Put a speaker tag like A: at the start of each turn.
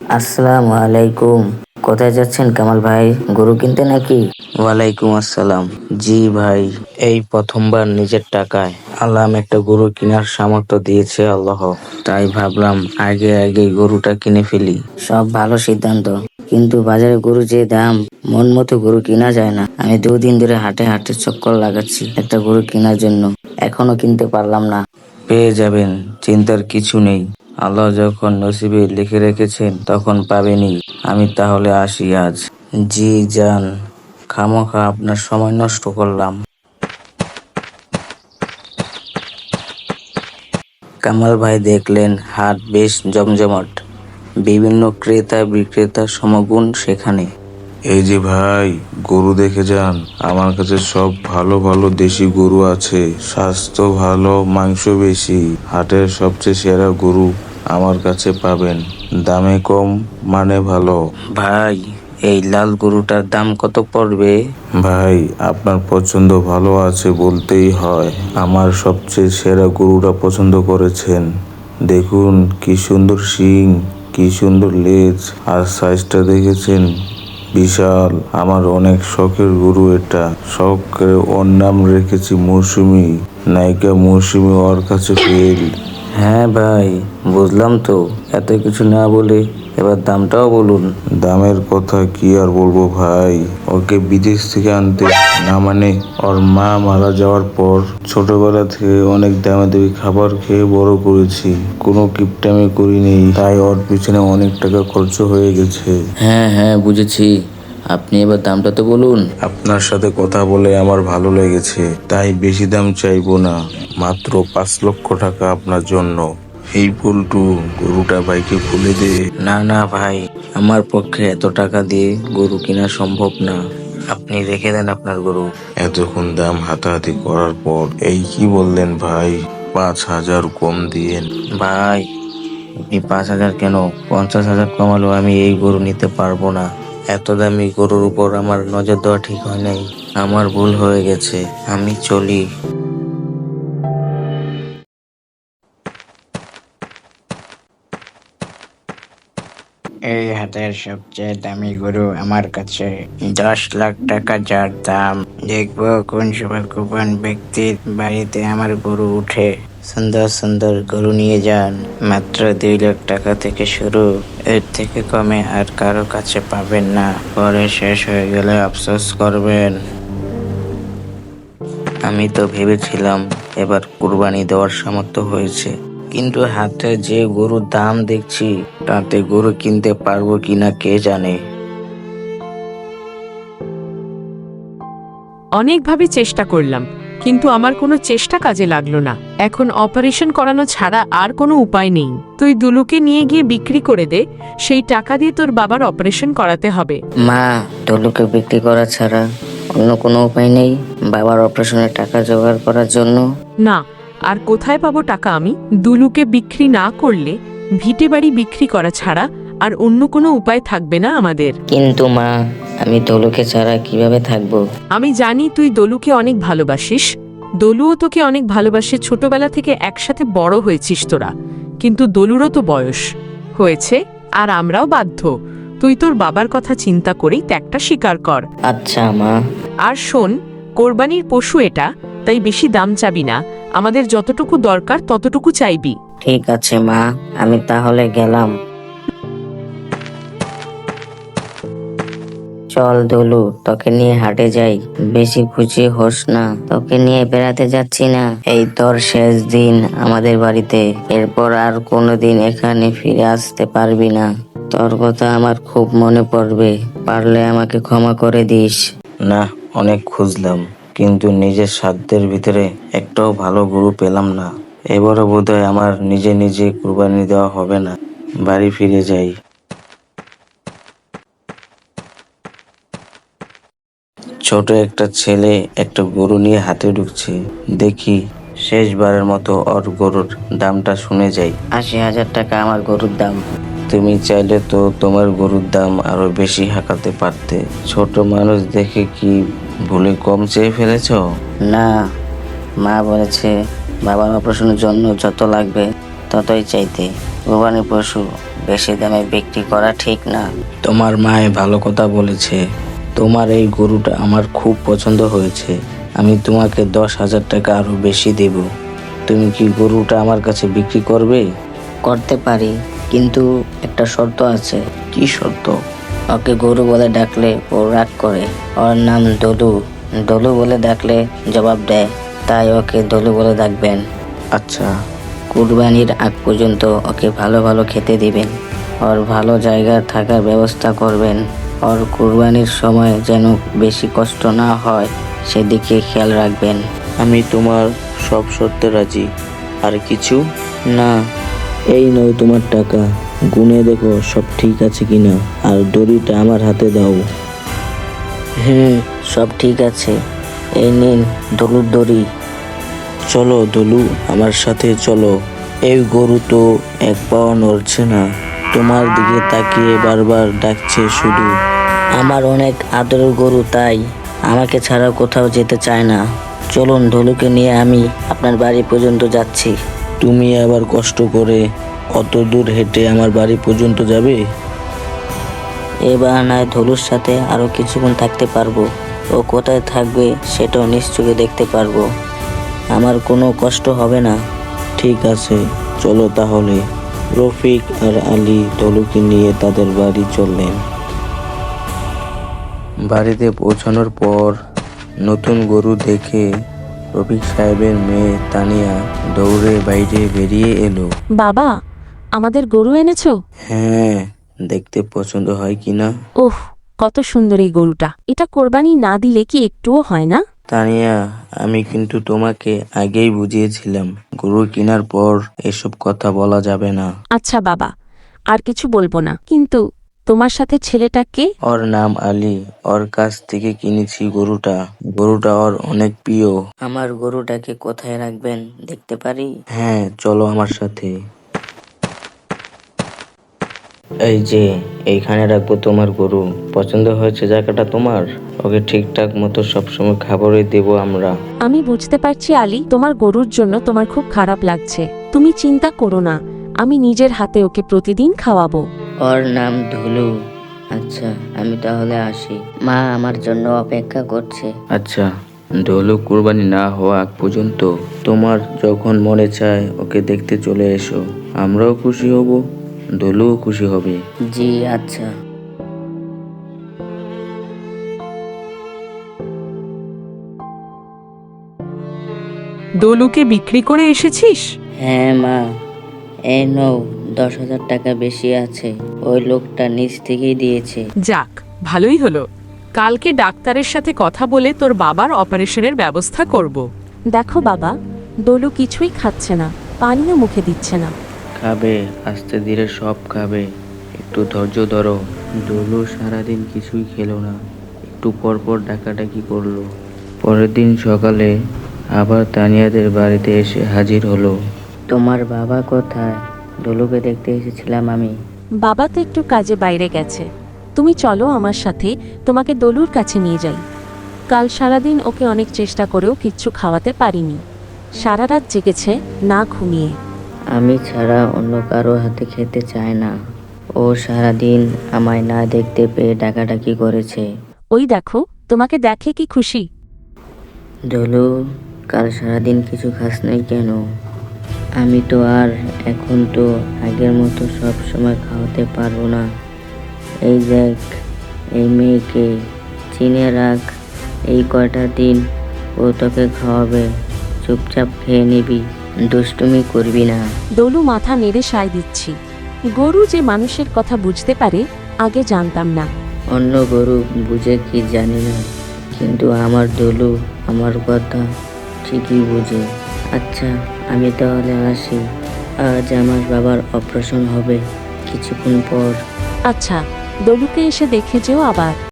A: আসসালামু আলাইকুম। কোথায় যাচ্ছেন কামাল ভাই? গরু কিনতে নাকি?
B: ওয়ালাইকুম আসসালাম। জি ভাই, এই প্রথমবার নিজের টাকায় আল্লাহ একটা গরু কেনার সামর্থ্য দিয়েছে আল্লাহ। তাই ভাবলাম আগে আগে গরুটা কিনে ফেলি।
A: সব ভালো সিদ্ধান্ত, কিন্তু বাজারে গরু যে দাম, মন মতো গরু কিনা যায় না। আমি 2 দিন ধরে হাটে হাটে চক্কর লাগাচ্ছি একটা গরু কেনার জন্য, এখনো কিনতে পারলাম না।
B: পেয়ে যাবেন, চিন্তার কিছু নেই। আল্লাহ যখন নসিবে লিখে রেখেছেন তখন পাবেনই। আমি তাহলে আসি আজ। জি যান, খামোখা আপনার সময় নষ্ট করলাম। কামাল ভাই দেখলেন হাট বেশ জমজমাট, বিভিন্ন ক্রেতা বিক্রেতার সমাগম সেখানে।
C: এই যে ভাই, গরু দেখে যান। আমার কাছে সব ভালো ভালো দেশি গরু আছে, স্বাস্থ্য ভালো, মাংস বেশি। হাটের সবচেয়ে সেরা গরু আমার কাছে পাবেন, দামে কম, মানে ভালো।
B: ভাই, এই লাল গরুটার দাম কত পড়বে?
C: ভাই, আপনার পছন্দ ভালো আছে বলতেই হয়। আমার সবচেয়ে সেরা গরুটা পছন্দ করেছেন। দেখুন কি সুন্দর শিং, কি সুন্দর লেজ, আর সাইজটা দেখেছেন, বিশাল। আমার অনেক শখের গরু এটা। শখের ওর নাম রেখেছি মৌসুমী। নায়িকা মৌসুমী ওর কাছে ফেল।
B: হ্যাঁ ভাই, বুঝলাম তো। এত কিছু না বলে এবার দামটাও বলুন।
C: দামের কথা কি আর বলবো ভাই, ওকে বিদেশ থেকে আনতে, না মানে ওর মা মারা যাওয়ার পর ছোটবেলা থেকে অনেক দামি দামি খাবার খেয়ে বড় করেছি। কোনো কিপটামি করিনি, তাই ওর পিছনে অনেক টাকা খরচ হয়ে গেছে।
B: হ্যাঁ হ্যাঁ, বুঝেছি। আপনি এবার দামটা তো বলুন।
C: আপনার সাথে কথা বলে আমার ভালো লেগেছে, তাই বেশি দাম চাইবো না। মাত্র 5 লক্ষ টাকা আপনার জন্য। এই পল্টু, গরুটা বাইকে খুলে দে।
B: না না ভাই, আমার পক্ষে এত টাকা দিয়ে গরু কেনা সম্ভব না। আপনি রেখে দেন আপনার গরু।
C: এতক্ষণ দাম হাতাহাতি করার পর এই কি বললেন ভাই? 5,000 কম দিয়েন।
B: ভাই, আপনি 5,000 কেন, 50,000 কমালেও আমি এই গরু নিতে পারবো না। এত দামি গরুর উপর আমার নজর দেওয়া ঠিক হয় নাই। আমার ভুল হয়ে গেছে, আমি চলি।
D: এই হাটের সবচেয়ে দামি গরু আমার কাছে, 10 লাখ টাকা যার দাম। দেখবো কোন সৌভাগ্যবান ব্যক্তির বাড়িতে আমার গরু উঠে। সুন্দর সুন্দর গরু নিয়ে যান, মাত্র 2 লাখ টাকা থেকে শুরু। এর থেকে কমে আর কারো কাছে পাবেন না, পরে শেষ হয়ে গেলে আফসোস করবেন।
B: আমি তো ভেবেছিলাম এবার কুরবানি দেওয়ার সামর্থ্য হয়েছে, কিন্তু হাটে যে গরুর দাম দেখছি তাতে গরু কিনতে পারবো কিনা কে জানে।
E: অনেকভাবে চেষ্টা করলাম, কিন্তু আমার কোনো চেষ্টা কাজে লাগলো না। এখন অপারেশন করানো ছাড়া আর কোনো উপায় নেই। তুই দুলুকে নিয়ে গিয়ে বিক্রি করে দে, সেই টাকা দিয়ে তোর বাবার অপারেশন করাতে হবে।
A: মা, টলুকে বিক্রি করা ছাড়া অন্য কোনো উপায় নেই বাবার অপারেশনের টাকা জোগাড় করার জন্য?
E: না, আর কোথায় পাবো টাকা আমি? দুলুকে বিক্রি না করলে ভিটে বাড়ি বিক্রি করা ছাড়া আর অন্য কোনো উপায় থাকবে না আমাদের।
A: কিন্তু মা, আমি টলুকে ছাড়া কিভাবে থাকবো?
E: আমি জানি তুই দলুকে অনেক ভালোবাসিস, দলুও তোকে অনেক ভালোবাসে। ছোটবেলা থেকে একসাথে বড় হয়েছিস তোরা, কিন্তু দলুরও তো বয়স হয়েছে, আর আমরাও বাধ্য। তুই তোর বাবার কথা চিন্তা করেই ত্যাগটা স্বীকার কর।
A: আচ্ছা মা।
E: আর শোন, কোরবানির পশু এটা, তাই বেশি দাম চাবি না। আমাদের যতটুকু দরকার ততটুকু চাইবি।
A: ঠিক আছে মা, আমি তাহলে গেলাম। চল দলু, তোকে নিয়ে হাটে যাই। বেশি খুশি হোস না, তোকে নিয়ে বেড়াতে যাচ্ছি না। এই তোর শেষ দিন আমাদের বাড়িতে, এরপর আর কোনোদিন এখানে ফিরে আসতে পারবি না। তোর কথা আমার খুব মনে পড়বে, পারলে আমাকে ক্ষমা করে দিস।
B: না, অনেক খুঁজলাম, কিন্তু নিজের সাধ্যের ভিতরে একটাও ভালো গরু পেলাম না। এবারও বোধহয় আমার নিজে নিজে কুরবানি দেওয়া হবে না। বাড়ি ফিরে যাই। ছোট একটা ছেলে একটা গরু নিয়ে হাটে ঢুকছে। দেখি শেষবারের মতো ওর গরুর দামটা শুনে যাই।
A: 80,000 টাকা আমার গরুর দাম।
B: তুমি চাইলে তো তোমার গরুর দাম আরো বেশি হাঁকাতে পারতে। ছোট মানুষ দেখে কি ভুলে কম চেয়ে ফেলেছো?
A: না, মা বলেছে বাবার অপারেশনের জন্য যত লাগবে ততই চাইতে। কুরবানি পশু বেশি দামে বিক্রি করা ঠিক না।
B: তোমার মায়ে ভালো কথা বলেছে। তোমার এই গরুটা আমার খুব পছন্দ হয়েছে। আমি তোমাকে 10,000 টাকা আরো বেশি দেব। তুমি কি গরুটা আমার কাছে বিক্রি করবে?
A: করতে পারি, কিন্তু একটা শর্ত আছে।
B: কি শর্ত?
A: ওকে গরু বলে ডাকলে ও রাগ করে। ওর নাম দলু। দলু বলে ডাকলে জবাব দেয়, তাই ওকে দলু বলে ডাকবেন।
B: আচ্ছা,
A: কুরবানির আগ পর্যন্ত ওকে ভালো ভালো খেতে দিবেন। ওর ভালো জায়গায় থাকার ব্যবস্থা করবেন। ওর কুরবানির সময় যেন বেশি কষ্ট না হয় সেদিকে খেয়াল রাখবেন।
B: আমি তোমার সব শর্তে রাজি। আর কিছু?
A: না,
B: এই নয় তোমার টাকা, গুনে দেখো সব ঠিক আছে কিনা, আর দড়িটা আমার হাতে দাও।
A: সব ঠিক আছে। এই নিন দলুর দড়ি।
B: চলো দলু, আমার সাথে চলো। এই গরু তো এক পাও নড়ছে না, তোমার দিকে তাকিয়ে বারবার ডাকছে শুধু।
A: আমার অনেক আদরের গরু, তাই আমাকে ছাড়া কোথাও যেতে চায় না। চলুন, দলুকে নিয়ে আমি আপনার বাড়ি পর্যন্ত যাচ্ছি।
B: তুমি আবার কষ্ট করে অত দূর হেঁটে আমার বাড়ি পর্যন্ত যাবে?
A: এবার নয় ধলুর সাথে আরো কিছুক্ষণ থাকতে পারবো। ও কোথায় থাকবে সেটাও নিশ্চয়ই দেখতে পারবো। আমার কোনো কষ্ট হবে না।
B: ঠিক আছে, চলো তাহলে। রফিক আর আলী দলুকে নিয়ে তাদের বাড়ি চললেন। বাড়িতে পৌঁছানোর পর নতুন গরু দেখে রফিক সাহেবের মেয়ে তানিয়া দৌড়ে বাইরে বেরিয়ে এলো।
E: বাবা, আমাদের গরু এনেছো?
B: হ্যাঁ, দেখতে পছন্দ হয় কিনা?
E: ওহ, কত সুন্দর এই গরুটা। এটা কোরবানি না দিলে কি একটুও হয় না?
B: তানিয়া, আমি কিন্তু তোমাকে আগেই বুঝিয়েছিলাম, গরু কেনার পর এসব কথা বলা যাবে না।
E: আচ্ছা বাবা, আর কিছু বলবো না। কিন্তু তোমার সাথে ছেলেটা কে?
B: ওর নাম আলী। ওর কাছ থেকে কিনেছি গরুটা। গরুটা ওর অনেক প্রিয়।
A: আমার গরুটাকে কোথায় রাখবেন দেখতে পারি?
B: হ্যাঁ, চলো আমার সাথে। এই যে, এইখানে রাখবো তোমার গরু। পছন্দ হয়েছে জায়গাটা তোমার? ওকে ঠিকঠাক মতো সবসময় খাবারই দেবো আমরা।
E: আমি বুঝতে পারছি আলী, তোমার গরুর জন্য তোমার খুব খারাপ লাগছে। তুমি চিন্তা করো না, আমি নিজের হাতে ওকে প্রতিদিন খাওয়াবো।
A: ওর নাম ধুলু। আচ্ছা, আমি তাহলে আসি। মা আমার জন্য অপেক্ষা করছে।
B: আচ্ছা, ঢোলক কুরবানি না হওয়া আগ পর্যন্ত তোমার যখন মনে চায় ওকে দেখতে চলে এসো। আমরাও খুশি হব, দোলুও খুশি হবে।
A: জি আচ্ছা।
E: দলুকে বিক্রি করে এসেছিস?
A: হ্যাঁ মা, এই নও, 10,000 টাকা বেশি আছে। ওই লোকটা নিজ থেকেই দিয়েছে।
E: যাক, ভালোই হলো। কালকে ডাক্তারের সাথে কথা বলে তোর বাবার অপারেশনের ব্যবস্থা করব। দেখো বাবা, দলু কিছুই খাচ্ছে না, পানিও মুখে দিচ্ছে না।
B: খাবে, আস্তে ধীরে সব খাবে। একটু ধৈর্য ধরো। দোলু সারাদিন কিছুই খেলো না, একটু পর পর ডাকাডাকি করলো। পরের দিন সকালে আবার তানিয়াদের বাড়িতে এসে হাজির হলো।
A: তোমার বাবা কোথায়? দলুকে দেখতে এসেছিলাম আমি।
E: বাবা তো একটু কাজে বাইরে গেছে। তুমি চলো আমার সাথে, তোমাকে দলুর কাছে নিয়ে যাই। কাল সারাদিন ওকে অনেক চেষ্টা করেও কিচ্ছু খাওয়াতে পারিনি। সারা রাত জেগেছে না ঘুমিয়ে।
A: আমি ছাড়া অন্য কারো হাতে খেতে চায় না। ও সারাদিন আমায় না দেখতে পেয়ে ডাকাডাকি করেছে।
E: ওই দেখো, তোমাকে দেখে কি খুশি।
A: দলু, কাল সারাদিন কিছু খাস নাই কেন? আমি তো আর এখন তো আগের মতো সব সময় খাওয়াতে পারবো না। এই দেখ, এই মেয়েকে চিনে রাখ। এই কয়টা দিন ও তোকে খাওয়াবে, চুপচাপ খেয়ে নিবি, দুষ্টুমি করবি না।
E: দলু মাথা নেড়ে সায় দিচ্ছি। গরু যে মানুষের কথা বুঝতে পারে আগে জানতাম না।
A: অন্য গরু বুঝে কি জানি না, কিন্তু আমার দলু আমার কথা ঠিকই বুঝে। আচ্ছা, আমি তাহলে আসি। আজ আমার বাবার অপারেশন হবে কিছুক্ষণ পর।
E: আচ্ছা, দলুকে এসে দেখে যেও আবার।